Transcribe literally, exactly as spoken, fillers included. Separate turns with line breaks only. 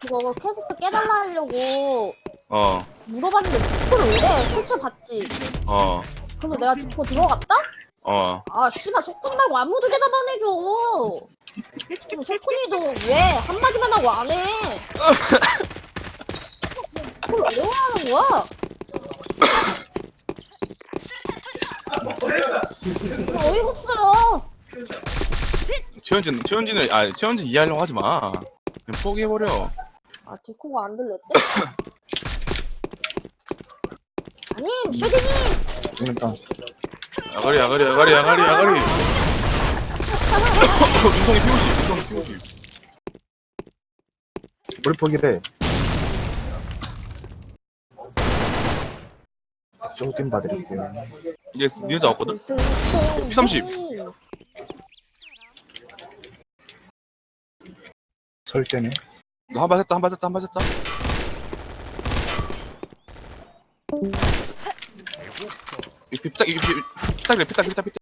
그거 퀘스트 깨달라 하려고
어,
물어봤는데 디코를 오래 설치해봤지.
어,
그래서 내가 디코 들어갔다?
어.
아 씨발 석훈이 말고 아무도 대답 안 해줘. 그럼 석훈이도 왜 한마디만 하고 안 해? 그걸 어려워하는 거야? 아, 어이가 없어요.
최현진, 최현진을, 아, 최현진 이해하려고 하지 마. 그냥 포기해버려.
아 디코가 안 들렸대? 아님 슈디님.
그러니까
야가리, 야가리, 야가리, 야가리, 야가리. 눈송이 피오시, 눈송이 피오시.
우리 포기래. 쇼팀 봐드릴게요.
이게 니네 잡았거든? 피삼십.
설 때네.
너 한 발 했다, 한 발 했다, 한 발 했다. 이 피딱, 이 피딱, 피딱, 피딱, 피딱.